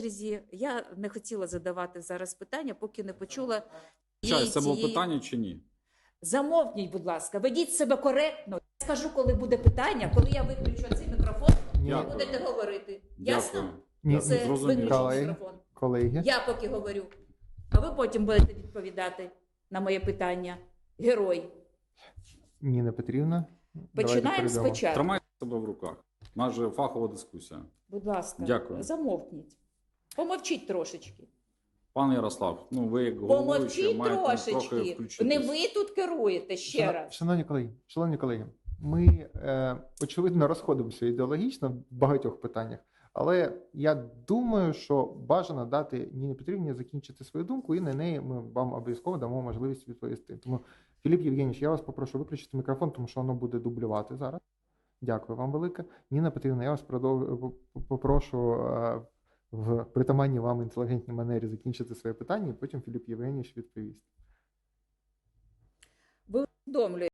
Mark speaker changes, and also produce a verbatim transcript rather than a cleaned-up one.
Speaker 1: Я не хотіла задавати зараз питання, поки не почула
Speaker 2: Час, це було
Speaker 1: цієї...
Speaker 2: питання чи ні?
Speaker 1: Замовкніть, будь ласка, ведіть себе коректно. Я скажу, коли буде питання, коли я виключу цей мікрофон,
Speaker 2: Ні.
Speaker 1: ви будете говорити. Ясно?
Speaker 2: Дякую.
Speaker 3: Ні,
Speaker 1: Це
Speaker 2: зрозуміло.
Speaker 1: виключений
Speaker 3: Колеги.
Speaker 1: мікрофон.
Speaker 3: Колеги,
Speaker 1: Я поки говорю, а ви потім будете відповідати на моє питання. Герой.
Speaker 3: Ніна Петрівна. давайте
Speaker 1: Починаємо
Speaker 3: перейдемо.
Speaker 1: спочатку.
Speaker 2: Тримайте себе в руках. У нас же фахова дискусія.
Speaker 1: Будь ласка,
Speaker 2: Дякую.
Speaker 1: замовкніть. Помовчіть трошечки.
Speaker 2: Пане Ярослав, ну ви як головуючий
Speaker 1: Помовчіть
Speaker 2: маєте трохи
Speaker 1: трошечки.
Speaker 2: включитись.
Speaker 1: Не ви тут керуєте ще
Speaker 3: Шано-
Speaker 1: раз.
Speaker 3: Шановні колеги, шановні колеги, ми е, очевидно розходимося ідеологічно в багатьох питаннях, але я думаю, що бажано дати Ніні Петрівні закінчити свою думку, і на неї ми вам обов'язково дамо можливість відповісти. Тому, Філіп Євгенійович, я вас попрошу виключити мікрофон, тому що воно буде дублювати зараз. Дякую вам велике. Ніна Петрівна, я вас продов... попрошу е, в притаманній вам інтелігентній манері закінчити своє питання, і потім Філіп Євгенійович відповість.
Speaker 1: Ви усвідомлюєте,